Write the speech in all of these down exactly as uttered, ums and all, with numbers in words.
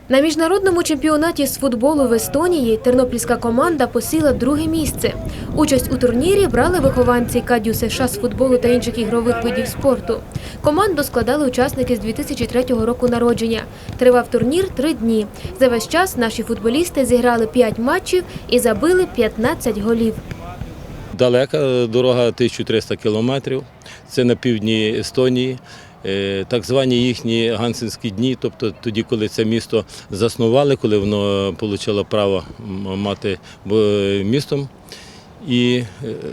На міжнародному чемпіонаті з футболу в Естонії тернопільська команда посіла друге місце. Участь у турнірі брали вихованці КАДЮ США з футболу та інших ігрових видів спорту. Команду складали учасники з дві тисячі третього року народження. Тривав турнір три дні. За весь час наші футболісти зіграли п'ять матчів і забили п'ятнадцять голів. Далека дорога, тисяча триста кілометрів. Це на півдні Естонії. Так звані їхні гансенські дні, тобто тоді, коли це місто заснували, коли воно отримало право мати містом. І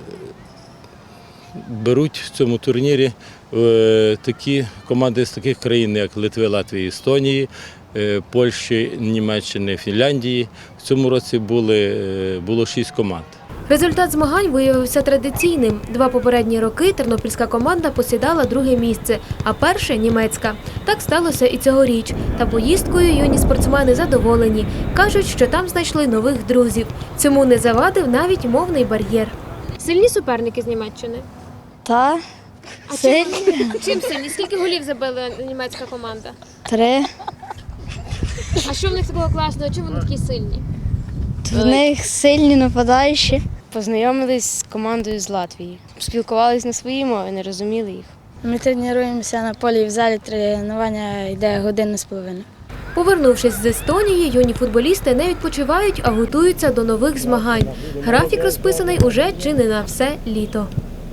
беруть в цьому турнірі такі команди з таких країн, як Литви, Латвії, Естонії, Польщі, Німеччини, Фінляндії. В цьому році були, було шість команд. Результат змагань виявився традиційним. Два попередні роки тернопільська команда посідала друге місце, а перше – німецька. Так сталося і цьогоріч. Та поїздкою юні спортсмени задоволені. Кажуть, що там знайшли нових друзів. Цьому не завадив навіть мовний бар'єр. Сильні суперники з Німеччини? Та, А сильні. чим, чим сильні? Скільки голів забила німецька команда? Три. А що в них такого класного? Чим вони такі сильні? В них сильні нападаючі. Познайомились з командою з Латвії. Спілкувалися на своїй мові, не розуміли їх. Ми тренуємося на полі, в залі тренування йде годину з половиною. Повернувшись з Естонії, юні футболісти не відпочивають, а готуються до нових змагань. Графік розписаний уже чи не на все літо.